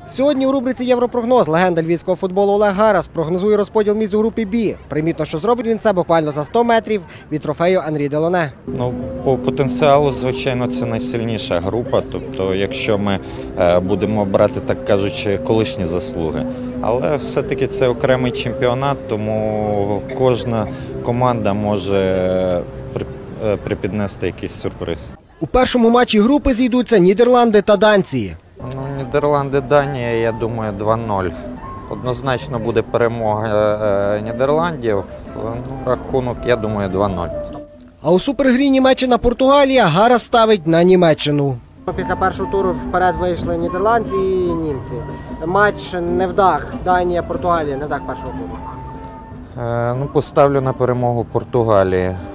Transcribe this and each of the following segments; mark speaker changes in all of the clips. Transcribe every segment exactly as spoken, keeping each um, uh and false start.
Speaker 1: Сьогодні у рубриці «Європрогноз» легенда львівського футболу Олег Гарас прогнозує розподіл місць у групі «Бі». Примітно, що зробить він це буквально за сто метрів від трофею Анрі Делоне.
Speaker 2: Ну, по потенціалу, звичайно, це найсильніша група. Тобто, якщо ми е, будемо брати, так кажучи, колишні заслуги. Але все-таки це окремий чемпіонат, тому кожна команда може при, е, припіднести якийсь сюрприз.
Speaker 1: У першому матчі групи зійдуться Нідерланди та Данції.
Speaker 2: Ну, Нідерланди, Данія, я думаю, два нуль. Однозначно буде перемога е, Нідерландів. Ну, рахунок, я думаю, два нуль.
Speaker 1: А у супергрі Німеччина-Португалія Гарас ставить на Німеччину. Після першого туру вперед вийшли нідерландці і німці. Матч не вдах. Данія-Португалія не вдах першого туру.
Speaker 2: Е, ну, поставлю на перемогу Португалії. Е,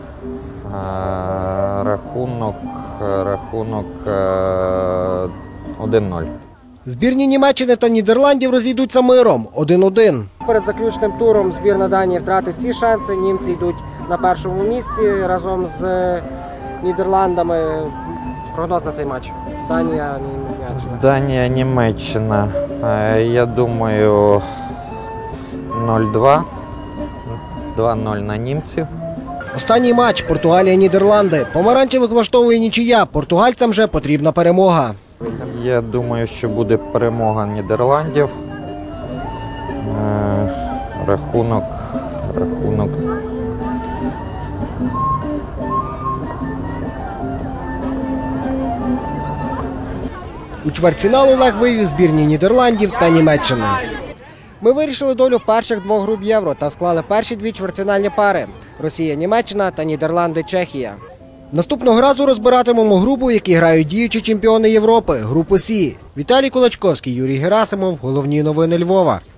Speaker 2: рахунок, рахунок е, один нуль.
Speaker 1: Збірні Німеччини та Нідерландів розійдуться миром один один. Перед заключним туром збірна Данії втратить всі шанси. Німці йдуть на першому місці разом з Нідерландами. Прогноз на цей матч. Данія, Німеччина.
Speaker 2: Данія, Німеччина. Я думаю, нуль два. два нуль на німців.
Speaker 1: Останній матч Португалія-Нідерланди. Помаранчевих влаштовує нічия. Португальцям же потрібна перемога.
Speaker 2: Я думаю, що буде перемога Нідерландів. Е, рахунок, рахунок.
Speaker 1: У чвертьфінал Олег вивів збірні Нідерландів та Німеччини. Ми вирішили долю перших двох груп Євро та склали перші дві чвертьфінальні пари – Росія-Німеччина та Нідерланди-Чехія. Наступного разу розбиратимемо групу, в якій грають діючі чемпіони Європи – групу Сі. Віталій Кулачковський, Юрій Герасимов. Головні новини Львова.